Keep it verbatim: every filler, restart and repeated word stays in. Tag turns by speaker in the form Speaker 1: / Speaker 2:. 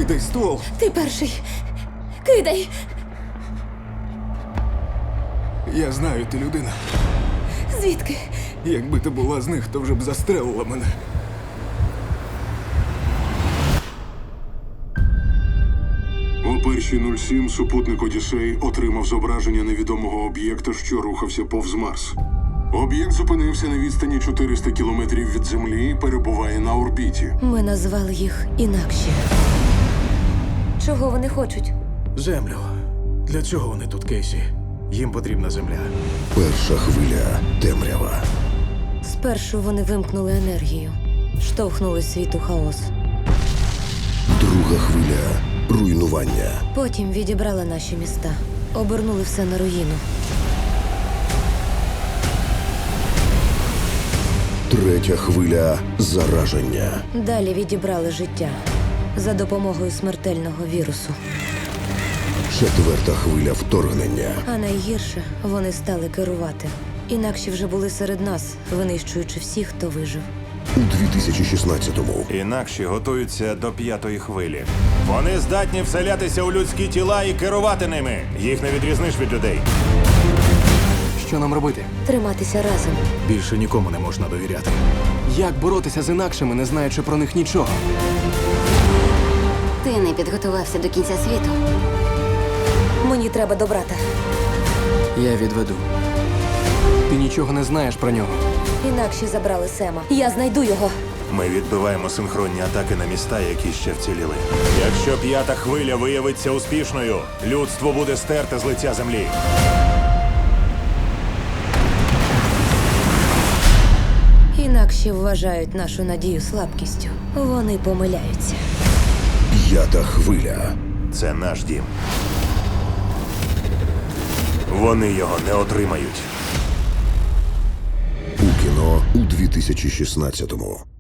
Speaker 1: Кидай ствол.
Speaker 2: Ти перший. Кидай.
Speaker 1: Я знаю, ти людина.
Speaker 2: Звідки?
Speaker 1: Якби ти була з них, то вже б застрелила мене.
Speaker 3: О першій нуль сім супутник Одіссей отримав зображення невідомого об'єкта, що рухався повз Марс. Об'єкт зупинився на відстані чотириста кілометрів від Землі і перебуває на орбіті.
Speaker 2: Ми назвали їх інакші. Чого вони хочуть?
Speaker 1: Землю. Для чого вони тут, Кейсі? Їм потрібна земля.
Speaker 4: Перша хвиля темрява.
Speaker 2: Спершу вони вимкнули енергію, штовхнули світ у хаос.
Speaker 4: Друга хвиля руйнування.
Speaker 2: Потім відібрали наші міста, обернули все на руїну.
Speaker 4: Третя хвиля зараження.
Speaker 2: Далі відібрали життя за допомогою смертельного вірусу.
Speaker 4: Четверта хвиля вторгнення.
Speaker 2: А найгірше, вони стали керувати. Інакші вже були серед нас, винищуючи всіх, хто вижив.
Speaker 4: У дві тисячі шістнадцятому.
Speaker 5: Інакші готуються до п'ятої хвилі. Вони здатні вселятися у людські тіла і керувати ними. Їх не відрізниш від людей.
Speaker 1: Що нам робити?
Speaker 2: Триматися разом.
Speaker 1: Більше нікому не можна довіряти. Як боротися з інакшими, не знаючи про них нічого?
Speaker 6: Ти не підготувався до кінця світу.
Speaker 2: Мені треба до брата.
Speaker 1: Я відведу. Ти нічого не знаєш про нього.
Speaker 2: Інакші забрали Сема. Я знайду його.
Speaker 5: Ми відбиваємо синхронні атаки на міста, які ще вціліли. Якщо п'ята хвиля виявиться успішною, людство буде стерте з лиця землі.
Speaker 2: Інакші вважають нашу надію слабкістю. Вони помиляються.
Speaker 4: П'ята хвиля.
Speaker 5: Це наш дім. Вони його не отримають.
Speaker 4: У кіно у дві тисячі шістнадцятому.